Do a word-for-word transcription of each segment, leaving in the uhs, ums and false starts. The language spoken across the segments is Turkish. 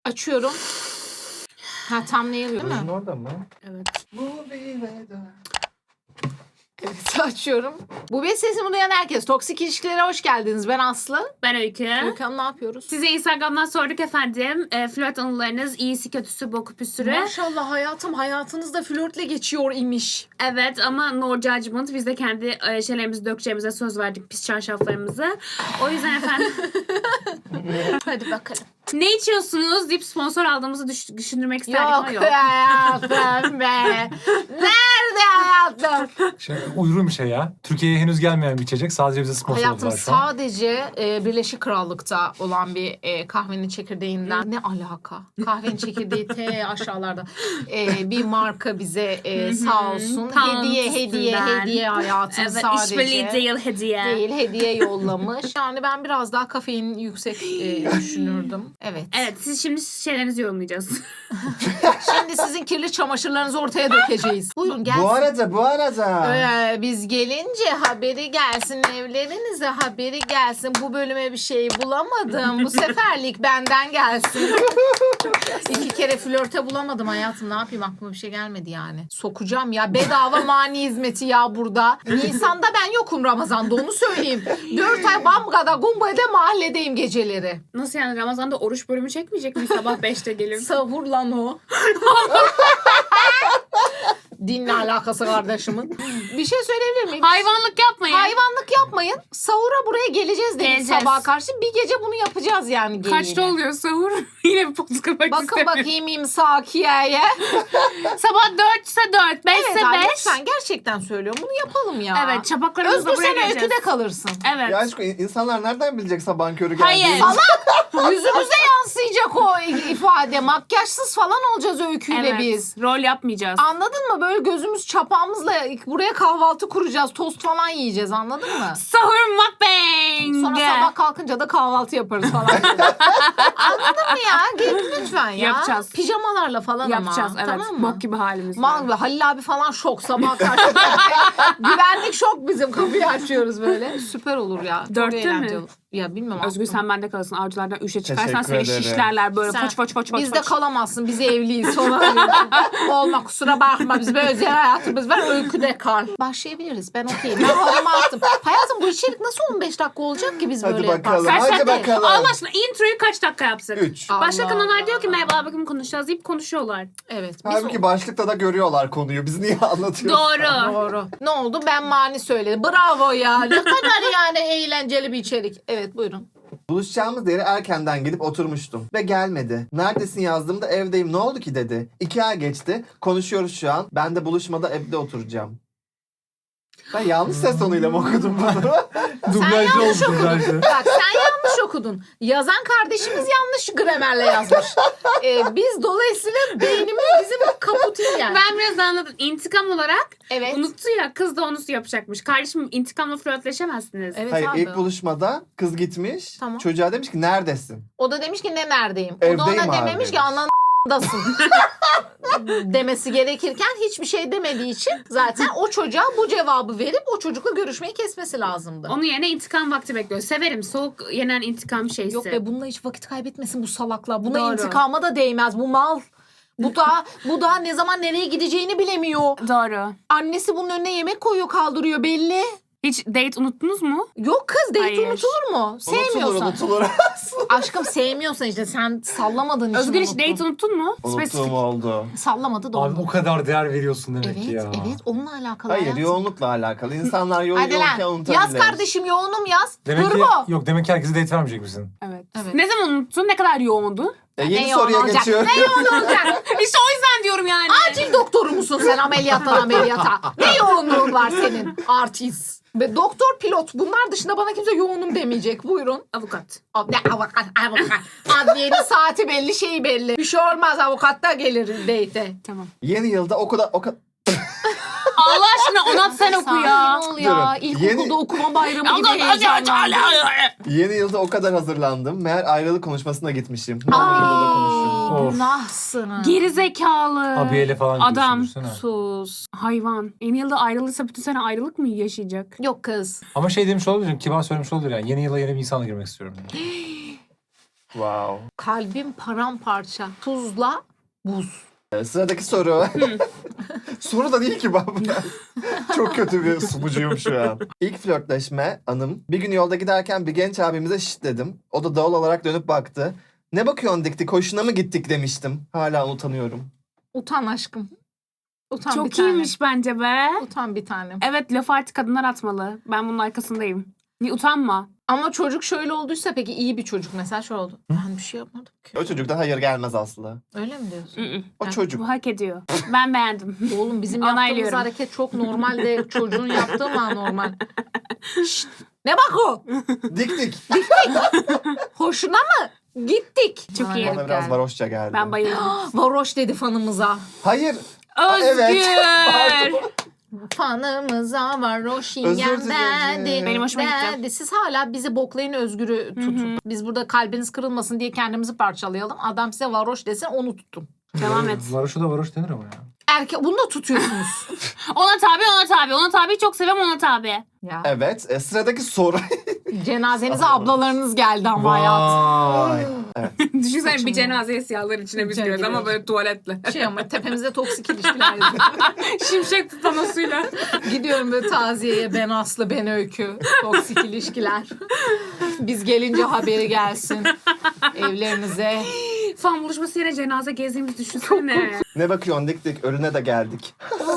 Açıyorum. Ha tam ne yazıyor değil mi? Rujun orada mı? Evet. Movie weather. Evet açıyorum. Bu bir sesimi duyan herkes. Toksik ilişkilere hoş geldiniz. Ben Aslı. Ben Öykü. Öykü Hanım ne yapıyoruz? Size Instagram'dan sorduk efendim. E, flört anılarınız, iyisi kötüsü, boku püsürü. Maşallah hayatım hayatınızda flörtle geçiyor imiş. Evet ama no judgment. Biz de kendi e, şeylerimizi dökeceğimize söz verdik. Pis çarşaflarımızı. O yüzden efendim Hadi bakalım. ne içiyorsunuz deyip sponsor aldığımızı düş- düşündürmek isterdik ama Yok yok. hayatım be. Nerede hayatım? Şey, uygun bir şey ya. Türkiye'ye henüz gelmeyen bir içecek. Sadece bize sponsor Hayatım oldular şu an. sadece e, Birleşik Krallık'ta olan bir e, kahvenin çekirdeğinden ne alaka? Kahvenin çekirdeği te aşağılarda. E, bir marka bize e, sağ olsun Pound hediye hediye üstünden. hediye hayatım Evet, sadece. işbirliği değil hediye. Değil hediye yollamış. Yani ben biraz daha kafein yüksek e, düşünürdüm. Evet. Evet, siz şimdi şeylerinizi yorumlayacağız. Şimdi sizin kirli çamaşırlarınızı ortaya dökeceğiz. Buyurun gelsin. Bu arada bu arada. Ee, biz gelince haberi gelsin, evlerinize haberi gelsin. Bu bölüme bir şey bulamadım. Bu seferlik benden gelsin. İki kere flörte bulamadım hayatım. Ne yapayım, aklıma bir şey gelmedi yani. Sokacağım ya, bedava mani hizmeti ya burada. Nisan'da ben yokum, Ramazan'da onu söyleyeyim. Dört ay Bamga'da, Gumba'da mahalledeyim geceleri. Nasıl yani, Ramazan'da oruç bölümü çekmeyecek mi? Sabah beşte gelir. Sahur lan o. Dinle alakası kardeşimin. Bir şey söyleyebilir miyim? Hayvanlık yapmayın. Hayvanlık yapmayın. Sahura buraya geleceğiz dedik Geleceğiz. sabaha karşı. Bir gece bunu yapacağız yani. Kaçta geliyle. oluyor sahur? Yine bir poz kırmak Bakın istemiyorum. bakayım imsakiye'ye. Sabah dörtse dört, beşse Evet abi, beş. lütfen gerçekten söylüyorum. Bunu yapalım ya. Evet, çapaklarımızı da Özgür buraya sen geleceğiz. öyküde kalırsın. Evet. Ya aşkım insanlar nereden bilecek sabahın körü Hayır. geldiğini? Salak! Yüzümüze yansıyacak o ifade. Makyajsız falan olacağız öyküyle Evet. biz. Rol yapmayacağız. Anladın mı? Böyle gözümüz çapağımızla buraya kahvaltı kuracağız. Tost falan yiyeceğiz, anladın mı? Sahur mukbang. Sonra sabah kalkınca da kahvaltı yaparız falan. Anladın mı ya? Gelin lütfen ya. Yapacağız. Pijamalarla falan Yapacağız, ama. evet. Tamam mı? Bok gibi halimiz var. Mal ve Halil abi falan şok sabah karşı. Güvenlik şok, bizim kapıyı açıyoruz böyle. Süper olur ya. Çok Dörtte mi? eğlenceli olur. Ya bilmiyorum. Özgür aklım. sen bende kalırsın. Avcılardan üçe çıkarsan Teşekkür seni ederim. şişlerler böyle Sen- foç foç foç foç. Biz de foç. kalamazsın. Biz evliyiz falan. Olma, kusura bakma. Biz böyle özel hayatımız var. Öyküde kal. Başlayabiliriz. Ben okeyim. Ben halımı attım. Hayatım bu içerik nasıl on beş dakika olacak ki biz Hadi böyle bakalım. yaparsak? Kaç Hadi dakika? bakalım. Allah aşkına introyu kaç dakika yapsak? Üç. Başka Allah kanallar Allah. diyor ki merhaba bakın konuşacağız deyip konuşuyorlar. Evet. Biz Halbuki başlıkta da görüyorlar konuyu. Biz niye anlatıyoruz? Doğru. Doğru. Ne oldu? Ben mani söyledim. Bravo ya. Ne kadar yani eğlenceli bir içerik. Evet buyurun. Buluşacağımız yere erkenden gidip oturmuştum. Ve gelmedi. Neredesin yazdığımda evdeyim, ne oldu ki dedi. İki ay geçti. Konuşuyoruz şu an. Ben de buluşmada evde oturacağım. Ben yanlış ses tonuyla mı okudum bunu? Dublajlı oldu yanlış okudun. dublajlı. Bak sen yanlış okudun. Yazan kardeşimiz yanlış gramerle yazmış. Ee, biz dolayısıyla beynimiz bizim kaputin yani. Ben biraz anladım. İntikam olarak Evet. unuttu ya, kız da onu yapacakmış. Kardeşim intikamla flörtleşemezsiniz. Evet Hayır, abi. ilk buluşmada kız gitmiş. Tamam. Çocuğa demiş ki neredesin? O da demiş ki ne neredeyim? O da Evdeyim ona abi dememiş ki demiş. anandasın. demesi gerekirken hiçbir şey demediği için zaten o çocuğa bu cevabı verip o çocukla görüşmeyi kesmesi lazımdı. Onun yerine intikam vakti bekliyor. Severim soğuk yenen intikam şeysi. Yok be, bununla hiç vakit kaybetmesin bu salakla. Buna Doğru. intikama da değmez bu mal. Bu da bu da ne zaman nereye gideceğini bilemiyor. Doğru. Annesi bunun önüne yemek koyuyor, kaldırıyor belli. Hiç date unuttunuz mu? Yok kız, date Hayır. unutulur mu? Sevmiyorsan. Unutulur unutulur. Aşkım sevmiyorsan işte sen sallamadın için Özgür hiç unuttun. date unuttun mu? Unuttuğum oldu. Sallamadı da Abi oldu. o kadar değer veriyorsun demek Evet, ki ya. evet onunla alakalı. Hayır, hayatım. yoğunlukla alakalı. İnsanlar yoğun Hadi yoğunken lan unutabilir. yaz kardeşim, yoğunum yaz. Demek ki, Hırbo. yok demek ki herkese date vermeyecek misin? Evet. Evet. Ne zaman unuttun? Ne kadar yoğundu? E, Ne yeni yoğun soruya olacak? geçiyorum. Ne yoğun olacak? İşte o yüzden diyorum yani. Acil doktoru musun sen, ameliyattan ameliyata? Ne yoğunluğun var senin? Artist. Ve doktor, pilot, bunlar dışında bana kimse yoğunum demeyecek. Buyurun. Avukat. Ab- Ne avukat, avukat. Adliyenin saati belli, şeyi belli. Bir şey olmaz, avukat da gelir date'e. Tamam. Yeni yılda o kadar o kadar Allah aşkına Onat sen oku ya. Sakin ol ya. Durun. İlkokulda Yeni- okuma bayramı gibi heyecanlandım. yeni yılda o kadar hazırlandım. Meğer ayrılık konuşmasına gitmişim. Ne Aa. olur burada konuşayım. Of. Günahsın. Geri zekalı. Abiyeyle falan Adam. gidiyorsun, düşünsene. Sus. Hayvan. Yeni yılda ayrılırsa bütün sene ayrılık mı yaşayacak? Yok kız. Ama şey demiş olabilir, kibar söylemiş olabilir yani. Yeni yıla yeni bir insanla girmek istiyorum. Wow. Kalbim paramparça. Tuzla buz. Ee, Sıradaki soru. Soru da değil ki baba. Çok kötü bir sunucuyum şu an. İlk flörtleşme anım. Bir gün yolda giderken bir genç abimize şşt dedim. O da doğal olarak dönüp baktı. Ne bakıyorsun dik dik, hoşuna mı gittik demiştim. Hala utanıyorum. Utan aşkım. Utan bir Çok tane. iyiymiş bence be. Utan bir tanem. Evet, lafı artık kadınlar atmalı. Ben bunun arkasındayım. Niye utanma? Ama çocuk şöyle olduysa peki iyi bir çocuk mesela şöyle oldu. Ben bir şey yapmadım ki. O çocuktan hayır gelmez Aslı. Öyle mi diyorsun? Mm-mm. O Ha, çocuk. Bu hak ediyor. Ben beğendim. Oğlum bizim yaptığımız Onaylıyorum. hareket çok normal de çocuğun yaptığı mı anormal? Şşt, ne bak o? Dik dik. Hoşuna mı? Gittik. Çok Bana iyi. garip Bana biraz geldi. varoşça geldi. Ben bayıldım. Varoş dedi fanımıza. Hayır. Özgür. Evet. Fanımıza varoş Özür yengem dilerim. dedi. Benim hoşuma gitti. dedi. Siz hala bizi boklayın, Özgür'ü tutun. Biz burada kalbiniz kırılmasın diye kendimizi parçalayalım. Adam size varoş desin, onu tutun. Devam et. Varoş'a da varoş denir ama ya. Erkek bunu da tutuyorsunuz. Ona tabi, ona tabi. Ona tabi, çok seviyorum, ona tabi. ya. Evet. E, sıradaki soru. Cenazenize ablalarınız geldi ama hayat. Vay. Düşünsene Saçma. bir cenazeye siyahlar içine biz İçine giriyoruz ama giriyoruz. böyle tuvaletle. Şey ama tepemizde toksik ilişkiler yazıyor. Şimşek panosuyla. Gidiyorum böyle taziyeye, ben Aslı, ben Öykü. Toksik ilişkiler. Biz gelince haberi gelsin. Evlerinize. Fan buluşması yine cenaze gezdiğimizi düşünsene. Ne bakıyorsun dik dik, ölüne de geldik.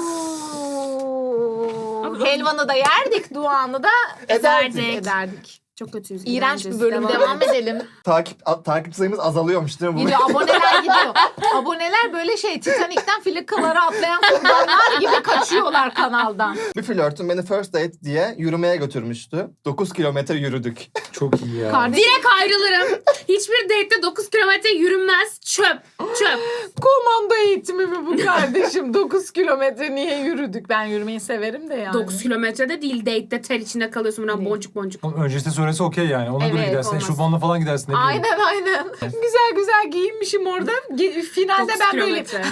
Helvanı da yerdik, duanı da Ederdik. ederdik. ederdik. Çok kötüyüz. İğrenç bir İğrenciz. bölüm. Devam edelim. Takip a- takip sayımız azalıyormuş değil mi? Bu? Gidiyor, aboneler gidiyor. Aboneler böyle şey Titanik'ten filikalara atlayan kurbanlar gibi kaçıyorlar kanaldan. Bir flörtüm beni first date diye yürümeye götürmüştü. dokuz kilometre yürüdük. Çok iyi ya. Kardeşim, Direkt ayrılırım. Hiçbir date'de dokuz kilometre yürünmez. Çöp. Çöp. komando eğitimi mi bu kardeşim? dokuz kilometre niye yürüdük? Ben yürümeyi severim de yani. dokuz kilometrede değil, date'de ter içinde kalıyorsun. Buradan Değil. boncuk boncuk. Oğlum öncesinde söylese okey yani. Ona göre Evet, gidersin. olmaz. Eşofmanla falan gidersin. Ne bileyim. Aynen aynen. Güzel güzel giyinmişim orada. Ge- Finalde dokuz ben böyle kilometre.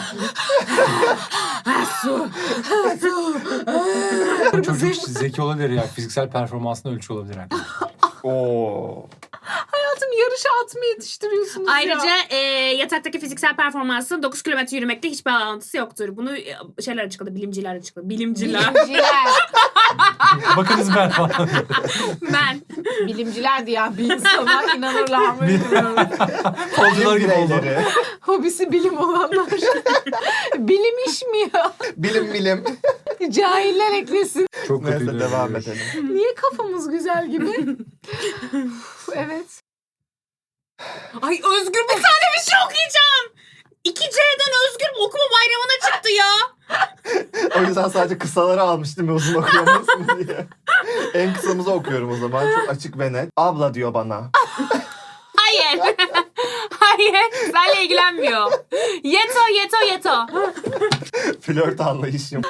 Çocuk zeki olabilir ya. Fiziksel performansını ölçü olabilir yani. Oo. hayatım yarışa at mı yetiştiriyorsunuz Ayrıca ya? e, yataktaki fiziksel performansın dokuz kilometre yürümekle hiçbir bağlantısı yoktur. Bunu e, şeyler açıkladı, bilimciler açıkladı. Bilimciler. Bilimciler. Bakınız ben falan. Ben. Bilimciler diyen bir insana inanırlar mı bilmiyorum. Kolcular gibi oldu. Bireyleri. Hobisi bilim olanlar. Bilim iş mi ya? Bilim bilim. Cahiller eklesin. Çok kötüydü. Neyse devam edelim. Niye kafamız güzel gibi? Evet. Ay Özgür, bir tane bir şey okuyacağım. iki C'den Özgür okuma bayramına çıktı ya. O yüzden sadece kısaları almıştım ya, uzun okuyamazsın diye. En kısamızı okuyorum o zaman. Çok açık ve net. Abla diyor bana. Hayır. Hayır. Seninle ilgilenmiyor. Yeto, yeto, yeto. Flört anlayışım.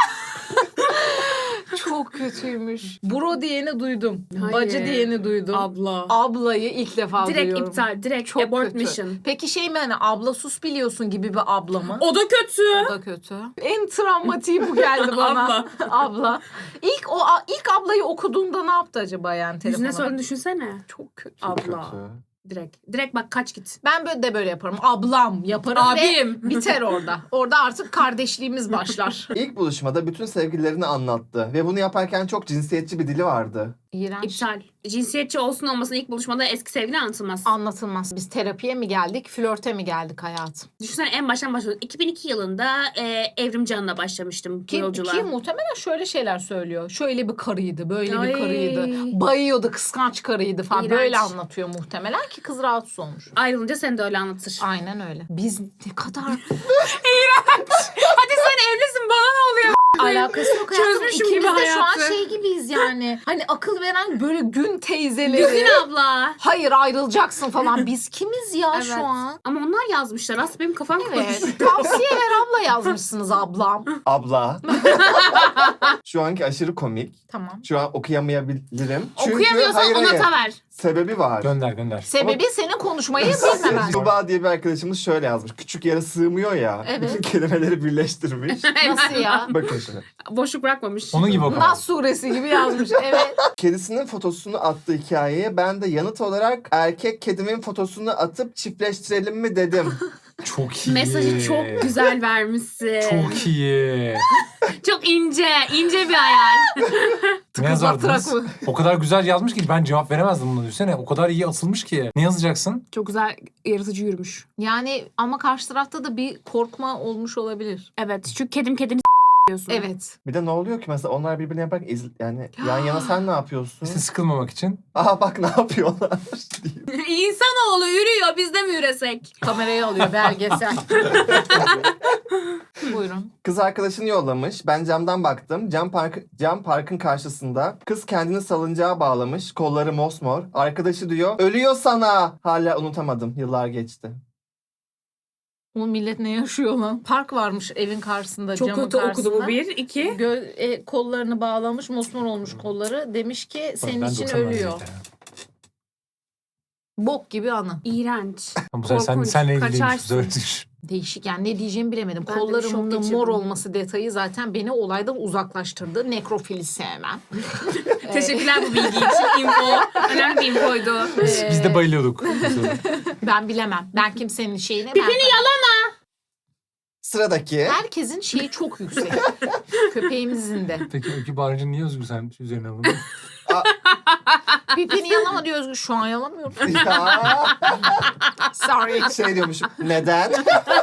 Çok kötüymüş. Bro diyeni duydum. Hayır. Bacı diyeni duydum. Abla. Ablayı ilk defa Direkt duyuyorum. iptal. Direkt Çok abort kötü. mission. Peki şey mi hani abla sus biliyorsun gibi bir abla mı? O da kötü. O da kötü. En travmatiği bu geldi bana. Abla. Abla. İlk o ilk ablayı okuduğunda ne yaptı acaba yani telefona? Yüzüne sorun düşünsene. Çok kötü. Çok Abla. kötü. Direkt. Direkt bak kaç git. Ben böyle de böyle yaparım. Ablam yaparım Abim. ve biter orada. Orada artık kardeşliğimiz başlar. İlk buluşmada bütün sevgililerini anlattı. Ve bunu yaparken çok cinsiyetçi bir dili vardı. İğrenç. İptal. Cinsiyetçi olsun olmasın ilk buluşmada eski sevgili anlatılmaz. Anlatılmaz. Biz terapiye mi geldik, flörte mi geldik hayatım? Düşünsene en baştan başladım. iki bin iki yılında e, Evrim Can'la başlamıştım bu Ki, yolculuğa. ki muhtemelen şöyle şeyler söylüyor. Şöyle bir karıydı, böyle Ay. bir karıydı. Bayıyordu, kıskanç karıydı falan. İğrenç. Böyle anlatıyor muhtemelen ki kız rahatsız olmuş. Ayrılınca seni de öyle anlatır. Aynen öyle. Biz ne kadar Hadi sen evlisin, bana ne oluyor? alakası yok hayatım. Çözmüşüm İkimiz gibi de şu an hayatı. şey gibiyiz yani. Hani akıl veren böyle gün teyzeleri. Güzin abla. Hayır ayrılacaksın falan. Biz kimiz ya Evet. şu an? Ama onlar yazmışlar. Aslında benim kafam Evet. karışık. Tavsiye ver abla yazmışsınız ablam. Abla. Şu anki aşırı komik. Tamam. Şu an okuyamayabilirim. Çünkü Okuyamıyorsan hayır, ona hayır. ta ver. Sebebi var. Gönder gönder. Sebebi senin konuşmayı bilmemen. Tuba diye bir arkadaşımız şöyle yazmış. Küçük yere sığmıyor ya. Evet. Bütün kelimeleri birleştirmiş. Nasıl ya? Bakın şimdi. Boşluk bırakmamış. Onun gibi o kadar. Nas suresi gibi yazmış. Evet. Kedisinin fotosunu attığı hikayeye ben de yanıt olarak erkek kedimin fotosunu atıp çiftleştirelim mi dedim. Çok iyi. Mesajı çok güzel vermişsin. Çok iyi. Çok ince, ince bir hayal. Ne yazardınız? Tırak mı? O kadar güzel yazmış ki ben cevap veremezdim buna düşünsene. O kadar iyi asılmış ki. Ne yazacaksın? Çok güzel, yaratıcı yürümüş. Yani ama karşı tarafta da bir korkma olmuş olabilir. Evet, çünkü kedim kedini diyorsun. Evet. Bir de ne oluyor ki mesela onlar birbirini yaparak iz, yani yan yana sen ne yapıyorsun? İşte sıkılmamak için. Aha bak ne yapıyorlar diye. İnsanoğlu yürüyor, biz de mi yürüsek? Kamerayı alıyor belgesel. Buyurun. Kız arkadaşını yollamış. Ben camdan baktım. Cam, park, cam parkın karşısında. Kız kendini salıncağa bağlamış. Kolları mosmor. Arkadaşı diyor ölüyor sana. Hala unutamadım. Yıllar geçti. O millet ne yaşıyor lan? Park varmış evin karşısında, Çok camın kötü karşısında. okudu bu bir. iki. Gö- e, kollarını bağlamış, mosmor olmuş kolları. Demiş ki senin Ben için doksan ölüyor. verdim. Bok gibi anı. İğrenç. Ama bu sefer sen, Korkunç, senle ilgili kaçarsın. Değişik yani, ne diyeceğimi bilemedim. Ben de bir şok Kollarımın da geçirdim. mor olması detayı zaten beni olaydan uzaklaştırdı. Nekrofili sevmem. Teşekkürler bu bilgi için. Info. Önemli bir infoydu. Biz, biz de bayılıyorduk. Ben bilemem. Ben kimsenin şeyine... Pipini ben... yalama. Sıradaki. Herkesin şeyi çok yüksek. Köpeğimizin de. Peki Öykü bağırınca niye Özgür sen üzerine alındın? Pipini yalama diyor Özgür. Şu an yalamıyorum. Ya, Sorry. şey diyormuşum. Neden?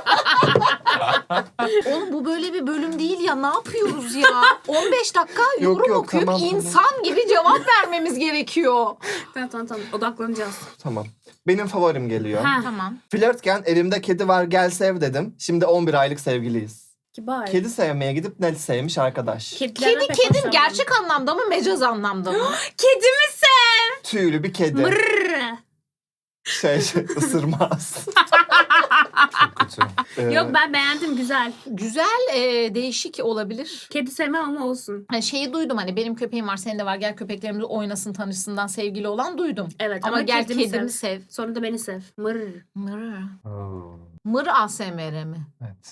Oğlum bu böyle bir bölüm değil ya. Ne yapıyoruz ya? on beş dakika Yok, yorum yok, okuyup tamam, tamam. insan gibi cevap vermemiz gerekiyor. Tamam tamam tamam. Odaklanacağız. Tamam. Benim favorim geliyor. Ha. Tamam. Flörtken elimde kedi var gel sev dedim. Şimdi on bir aylık sevgiliyiz. Kibar. Kedi sevmeye gidip ne sevmiş arkadaş. Kedilerden Kedi pek kedim hoşlanmam. gerçek anlamda mı, mecaz anlamda mı? Kedimi sev. Tüylü bir kedi. Mırrr. Şey, şey ısırmaz. Çok kötü. Ee, Yok ben beğendim, güzel. Güzel, e, değişik olabilir. Kedi sevmem ama olsun. Hani şeyi duydum, hani benim köpeğim var, senin de var, gel köpeklerimiz oynasın tanışsından sevgili olan duydum. Evet Ama, ama, gel kedimi, kedimi sev. sev. Sonra da beni sev. Mırrr. Mır. Oo, Mır A S M R mi? evet.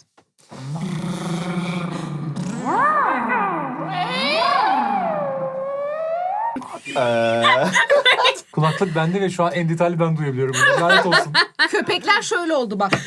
Ee, Kulaklık bende ve şu an en detaylı ben duyabiliyorum bunu. Lanet olsun. Köpekler şöyle oldu bak.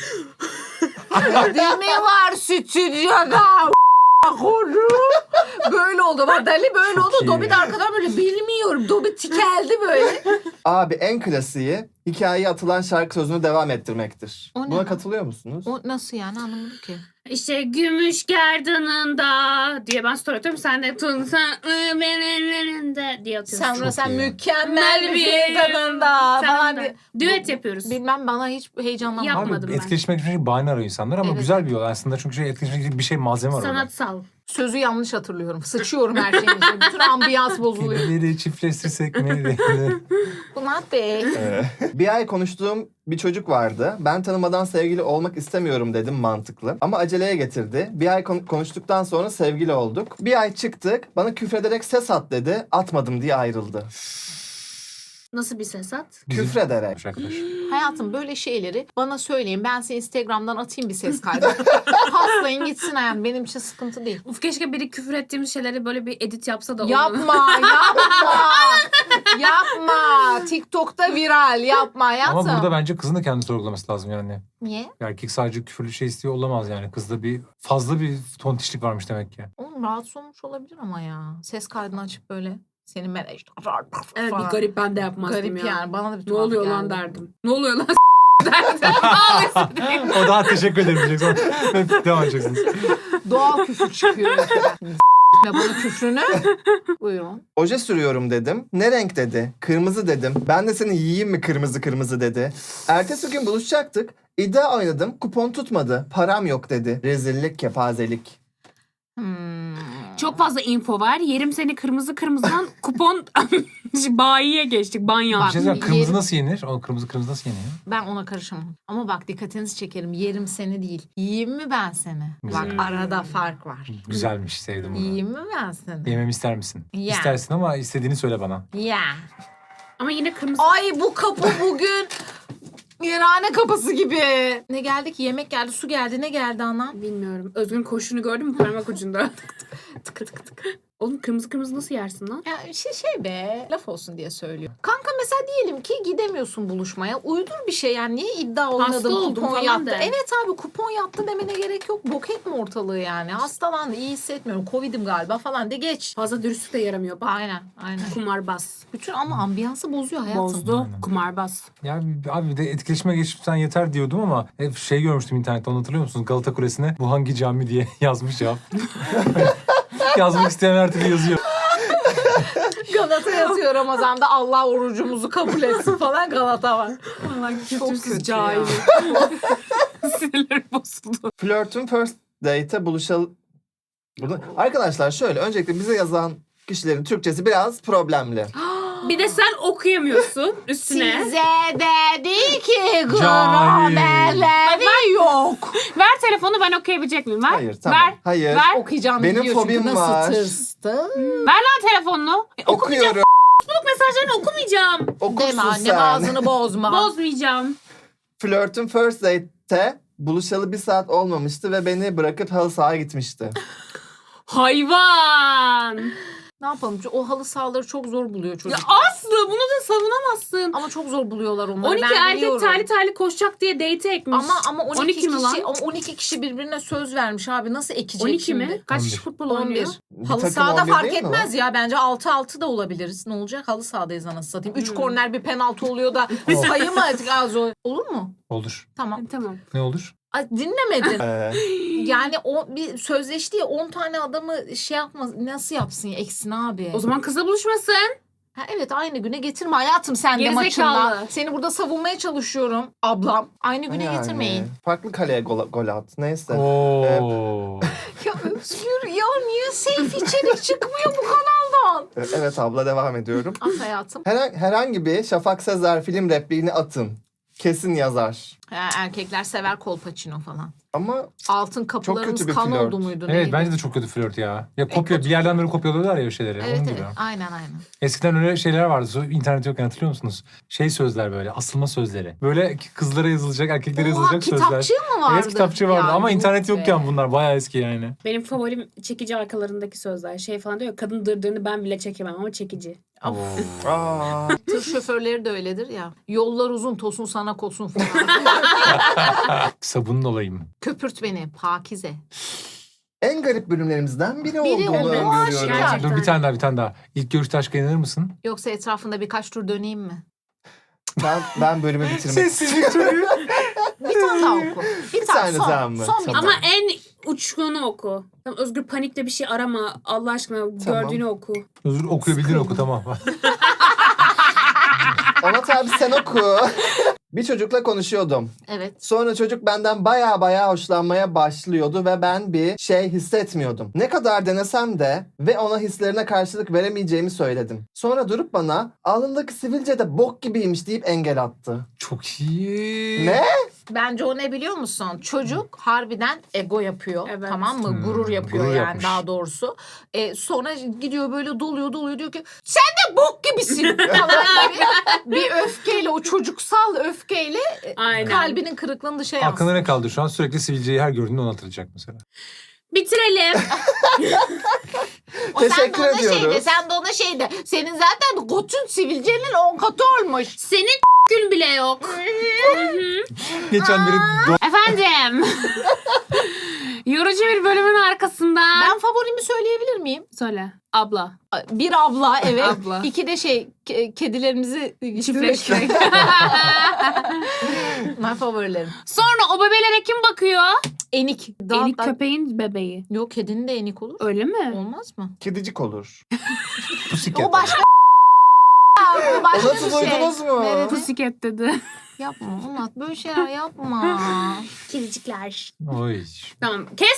Değil mi var stüdyoda? Konu. Böyle oldu. Bak Dali böyle Çok oldu. iyi. Dobby de arkadan böyle bilmiyorum. Dobby tikeldi böyle. abi en klasiği hikayeye atılan şarkı sözünü devam ettirmektir. O ne Buna lan? katılıyor musunuz? O nasıl yani, anlamadım ki. İşte gümüş gerdanında diye ben story atıyorum. Sen de tunsan benim ellerinde diye atıyorsun. Sen Çok sen iyi. mükemmel bir bir tadında Sen falan de. diye. Düet yapıyoruz. Bilmem, bana hiç heyecanlanmadım. Yap- Yapmadım Abi ben. etkileşmek için bahane arıyor insanlar ama Evet. güzel bir yol aslında. Çünkü şey, etkileşmek için bir şey malzeme var orada. Sanatsal. Sözü yanlış hatırlıyorum. Sıçıyorum her şeyin içine. Bütün ambiyans bozuluyor. Kedileri çiftleştirsek mi? Bunat Bey. Ee, bir ay konuştuğum bir çocuk vardı. Ben tanımadan sevgili olmak istemiyorum dedim mantıklı. Ama aceleye getirdi. Bir ay kon- konuştuktan sonra sevgili olduk. Bir ay çıktık. Bana küfrederek ses at dedi. Atmadım diye ayrıldı. Nasıl bir ses at? Küfrederek. Arkadaş. Hayatım, böyle şeyleri bana söyleyin. Ben size Instagram'dan atayım bir ses kaydı. Paslayın gitsin hayatım. Benim için sıkıntı değil. Uf, keşke biri küfür ettiğimiz şeyleri böyle bir edit yapsa da. Yapma, yapma. Yapma. TikTok'ta viral. Yapma hayatım. Ama burada bence kızın da kendini sorgulaması lazım yani. Niye? Erkek sadece küfürlü şey istiyor olamaz yani. Kızda bir fazla bir tontişlik varmış demek ki. Oğlum rahatsız olmuş olabilir ama ya. Ses kaydını açıp böyle senin ben işte. Evet, falan. bir garip, ben de yapmazdım Garip ya. yani. Bana da bir Ne tuhaf oluyor geldi. lan derdim. Ne oluyor lan derdim. Ağlasın. O daha teşekkür ederim diyecek. Sonra devam edeceksiniz. Doğal küfür çıkıyor. Ne bana küfrünü? Buyurun. Oje sürüyorum dedim. Ne renk dedi. Kırmızı dedim. Ben de seni yiyeyim mi kırmızı kırmızı dedi. Ertesi gün buluşacaktık. İddia oynadım. Kupon tutmadı. Param yok dedi. Rezillik, kepazelik. Hmm. Çok fazla info var. Yerim seni kırmızı kırmızıdan kupon bayiye geçtik. Banyo. Bir şey söyleyeyim, kırmızı yerim- nasıl yenir? O kırmızı kırmızı nasıl yeniyor? Ben ona karışamam. Ama bak dikkatinizi çekerim. Yerim seni değil. Yiyeyim mi ben seni? Bak Hmm. arada fark var. Güzelmiş, sevdim bunu. Yiyeyim mi ben seni? Yememi ister misin? Ya. İstersin ama istediğini söyle bana. Ya. Ama yine kırmızı. Ay bu kapı bugün yerhane kapısı gibi. Ne geldi ki? Yemek geldi, su geldi. Ne geldi anam? Bilmiyorum. Özgün koşunu gördün mü parmak ucunda? tık tık tık tık. Oğlum kırmızı kırmızı nasıl yersin lan? Ya şey, şey be, laf olsun diye söylüyor. Kanka mesela diyelim ki gidemiyorsun buluşmaya. Uydur bir şey yani. Niye iddia oynadın, oldum kupon falan yattı? de. Evet abi kupon yattı demene gerek yok. Bok etme ortalığı yani. Hastalandı, iyi hissetmiyorum. Covid'im galiba falan de geç. Fazla dürüstlük de yaramıyor. Bak Aynen, aynen. kumarbaz. Bütün ama ambiyansı bozuyor hayatım. Bozdu. Aynen. Kumarbaz. Ya abi bir de etkileşime geçipsen yeter diyordum ama hep şey görmüştüm internette, onu hatırlıyor musunuz? Galata Kulesi'ne bu hangi cami diye yazmış ya. Yazmak isteyen her türlü yazıyor. Galata yatıyor Ramazan'da. Allah orucumuzu kabul etsin falan Galata var. Allah Çok kötü cahil. ya. Sinirlerim bozuldu. Flörtün first date'e buluşalım. Burada... Arkadaşlar şöyle öncelikle bize yazan kişilerin Türkçesi biraz problemli. Bir de sen okuyamıyorsun üstüne. Size dedi ki Cahil. gramerleri yok. Ver telefonu ben okuyabilecek miyim? Ver. Hayır tamam. Ver. Hayır. Ver. Okuyacağım Benim biliyor çünkü fobim nasıl var. tırstı. Ver lan telefonunu. E, okumayacağım. Okuyorum. Facebook mesajlarını okumayacağım. Okursun Deme annem sen. ağzını bozma. Bozmayacağım. Flörtün first date'te buluşalı bir saat olmamıştı ve beni bırakıp halı sahaya gitmişti. Hayvan. Ne yapalım? O halı sahaları çok zor buluyor Ya çocuk. Aslı bunu da savunamazsın. Ama çok zor buluyorlar onları. on iki ben erkek biliyorum. terli terli koşacak diye date ekmiş. Ama ama on iki, on iki mi kişi lan? ama on iki kişi birbirine söz vermiş abi. Nasıl ekecek on iki şimdi? mi? Kaç on bir. kişi futbol on bir. oynuyor? Bir Halı takım sahada on bir fark değil mi etmez ya. Bence altı altı da olabiliriz. Ne olacak? Halı sahadayız anasını satayım. Üç Hmm. korner bir penaltı oluyor da sayı mı artık az o- olur mu? Olur. Tamam. Tamam. Ne olur? Ay, dinlemedin. Ee, Yani o bir sözleşti ya on tane adamı şey yapmaz. Nasıl yapsın ya eksin abi? O zaman kızla buluşmasın. Ha, evet aynı güne getirme hayatım sen de Gerizekalı. maçında. Seni burada savunmaya çalışıyorum ablam. Aynı güne yani, getirmeyin. Farklı kaleye gol, gol at. Neyse. Oo. Ya Özgür ya niye safe içerik çıkmıyor bu kanaldan? Ee, Evet abla devam ediyorum. At hayatım. Herhangi, herhangi bir Şafak Sezer film repliğini atın. Kesin yazar. Ha, erkekler sever kolpaçino falan. Ama Altın kapılarımız kötü bir kan flört. oldu muydu? Evet neydi? bence de çok kötü flört ya. Ya kopya kötü. bir yerden böyle kopyalıyorlar ya o şeyleri. Evet Onun evet gibi. aynen aynen. Eskiden öyle şeyler vardı. So- İnternet yokken hatırlıyor musunuz? Şey sözler böyle, asılma sözleri. Böyle kızlara yazılacak, erkeklere Oha yazılacak sözler. kitapçı mı vardı? Evet kitapçı vardı Ya, ama yuh internet be. yokken bunlar bayağı eski yani. Benim favorim çekici arkalarındaki sözler. Şey falan diyor ya, kadın dırdırını ben bile çekemem ama çekici. Of. aa, Tır şoförleri de öyledir ya. Yollar uzun tosun sana kosun falan. Sabunun olayım. Köpürt beni Pakize. en garip bölümlerimizden biri, Biri olduğunu olduğu öngörüyorum. aşikar. Gerçekten. Dur bir tane daha bir tane daha. İlk görüşte aşka inanır mısın? Yoksa etrafında birkaç tur döneyim mi? Ben, ben bölümü bitirmek Sessizlik çocuğu. Bir tane daha oku. Bir, Bir tane, tane son. daha mı? Son bir Tamam. Ama tane. en uçkunu oku. Tamam, Özgür panikle bir şey arama. Allah aşkına gördüğünü oku. Özür okuyabildiğin oku tamam. Onat abi sen oku. Bir çocukla konuşuyordum. Evet. Sonra çocuk benden baya baya hoşlanmaya başlıyordu ve ben bir şey hissetmiyordum. Ne kadar denesem de ve ona hislerine karşılık veremeyeceğimi söyledim. Sonra durup bana alnındaki sivilce de bok gibiymiş deyip engel attı. Çok iyi. Ne? Bence o ne biliyor musun? Çocuk harbiden ego yapıyor. Evet. Tamam mı? Hmm, gurur yapıyor gurur yani yapmış. daha doğrusu. E, sonra gidiyor böyle doluyor doluyor diyor ki sen de bok gibisin falan gibi. Bir öfkeyle o çocuksal öfkeyle e, Aynen. kalbinin kırıklığını dışarı Aklına yansıtıyor. ne kaldı şu an? Sürekli sivilceyi her gördüğünde onu hatırlayacak mesela. Bitirelim. O sen de Teşekkür ona ediyoruz. Şey de, sen de ona şey de. Senin zaten gotun sivilcenin on katı olmuş. Senin gün bile yok. Geçen biri do- Efendim. Yorucu bir bölümün arkasından. Ben favorimi söyleyebilir miyim? Söyle. Abla. Bir abla evet. Abla. İki de şey ke- kedilerimizi Çiftleştirmek. Bunlar favorilerim. Sonra o bebelere kim bakıyor? Enik. Daha, Enik daha- köpeğin bebeği. Yok kedinin de enik olur. Öyle mi? Olmaz mı? Kedicik olur. Pussycat. O başka o başka O nasıl bir şey. duydunuz mu? Nerede? Pussycat dedi. Yapma Onat böyle şeyler yapma. Kedicikler. Oy. Tamam. Kestik. Aa!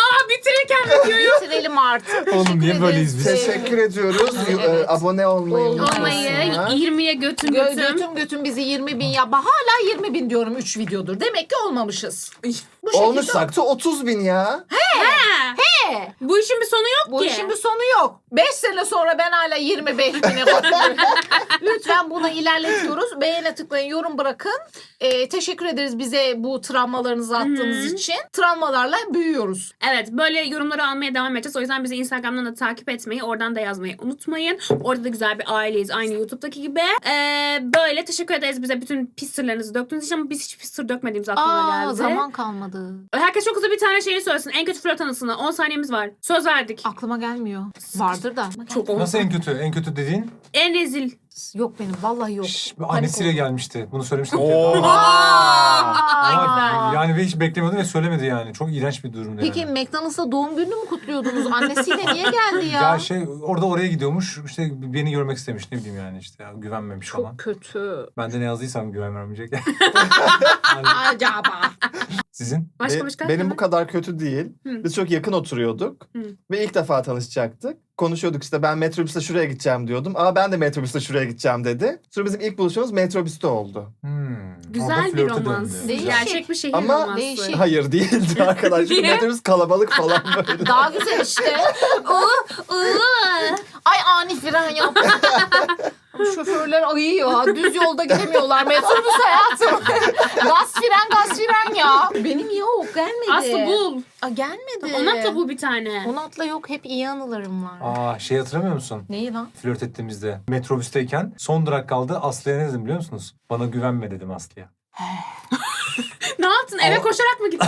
Aa bitirirken videoyu. Bitirelim artık. Oğlum, Teşekkür niye ederiz. böyleyiz biz? Teşekkür ediyoruz. Evet. Ee, Abone olmayı Olmayı unutmasınlar. yirmiye götün Gö- götüm. götüm götüm bizi yirmi bin ya. Hala yirmi bin diyorum üç videodur. Demek ki olmamışız. Bu şekilde Olmuşsak da otuz bin ya. He. Bu işin bir sonu yok Bu ki. işin bir sonu yok. beş sene sonra ben hala yirmi beş bine bakıyorum. Lütfen bunu ilerletiyoruz. Beğene tıklayın, yorum bırakın. Ee, teşekkür ederiz bize bu travmalarınızı attığınız Hı-hı. için. Travmalarla büyüyoruz. Evet, böyle yorumları almaya devam edeceğiz. O yüzden bizi Instagram'dan da takip etmeyi, oradan da yazmayı unutmayın. Orada da güzel bir aileyiz, aynı YouTube'daki gibi. Ee, böyle teşekkür ederiz bize bütün pis sırlarınızı döktüğünüz için, ama biz hiç pis sır dökmediğimiz aklıma Aa, geldi. zaman kalmadı. Herkes çok hızlı bir tane şeyini söylesin. En kötü flört anısını. on saniyemiz var. Söz verdik. Aklıma gelmiyor. Vardır da. Çok Nasıl en kötü? En kötü dediğin? En rezil. Yok benim. Vallahi yok. Şş, Panik annesiyle oldum. gelmişti. Bunu söylemiştim. Oha! Aa, Ama yani ve hiç beklemiyordum ve söylemedi yani. Çok iğrenç bir durumdu Peki yani. McDonald's'ta doğum gününü mü kutluyordunuz? Annesiyle niye geldi ya? Ya şey orada oraya gidiyormuş. İşte beni görmek istemiş, ne bileyim yani işte ya, güvenmemiş falan. Çok kötü. Ben de ne yazdıysam güven vermeyecek. Yani Acaba. sizin? Başka Be- başka? benim bu kadar kötü değil. Hı. Biz çok yakın oturuyorduk. Hı. Ve ilk defa tanışacaktık. Konuşuyorduk işte, ben metrobüste şuraya gideceğim diyordum. Aa, ben de metrobüste şuraya gideceğim dedi. Sonra bizim ilk buluşmamız metrobüste oldu. Hmm, orada Güzel bir flörte romans. döndü. Değişik. Gerçek bir şehir Ama- romansı. Değişik. Hayır değildi arkadaşlar. Çünkü Niye? metrobüs kalabalık falan böyle. Daha güzel işte. Iı, ıı. Ay ani fren yaptı. Şoförler ayıyor. Düz yolda gidemiyorlar. Metrobüs hayatım. Gaz fren gaz fren ya. Benim yok gelmedi. Aslı bul. Aa, gelmedi. Ona atla bul bir tane. Onatla yok, hep iyi anılarım var. Aa şey hatırlamıyor musun? Neyi lan? Flört ettiğimizde metrobüsteyken son durak kaldı. Aslı'ya ne dedim biliyor musunuz? Bana güvenme dedim Aslı'ya. Ne yaptın? Eve O- koşarak mı gittin?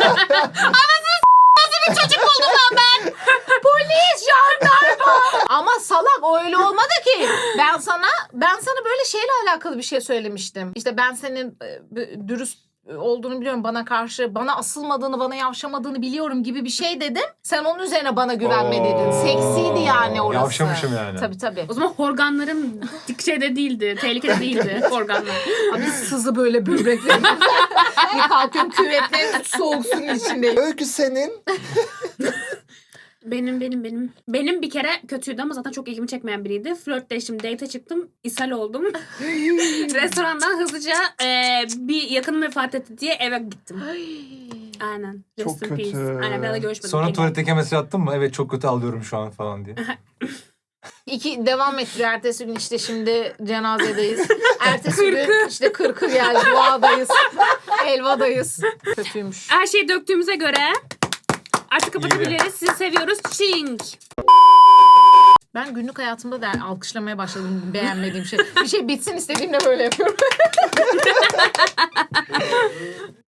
Polis, jandarma. Ama salak, o öyle olmadı ki. Ben sana ben sana böyle şeyle alakalı bir şey söylemiştim. İşte ben senin e, b- dürüst olduğunu biliyorum, bana karşı bana asılmadığını, bana yavşamadığını biliyorum gibi bir şey dedim. Sen onun üzerine bana güvenme dedin. Oo. Seksiydi yani orası. Yavşamışım yani. Tabii tabii. O zaman horganların dik şeyde değildi. Tehlikede değildi horganlar. Abi sızı böyle böbreklerim. Bir kalkıyorum, küvetlerim soğuk suyun içindeyim. Öykü senin. Benim benim benim. Benim bir kere kötüydü ama zaten çok ilgimi çekmeyen biriydi. Flörtleştim, date'e çıktım, ishal oldum. Restorandan hızlıca e, bir yakınım vefat etti diye eve gittim. Aynen. Rest Çok in peace. kötü. Aynen, ben de görüşmedim. Sonra Elim. tuvaletteki mesaj attın mı? Evet çok kötü alıyorum şu an falan diye. İki devam ettiriyor. Ertesi gün işte şimdi cenazedeyiz. Ertesi gün işte kırkı geldi. Duadayız. Helvadayız. Kötüymüş. Her şeyi döktüğümüze göre artık kapatabiliriz. Sizi seviyoruz. Çing. Ben günlük hayatımda da alkışlamaya başladım beğenmediğim şey. Bir şey bitsin istediğimde böyle yapıyorum.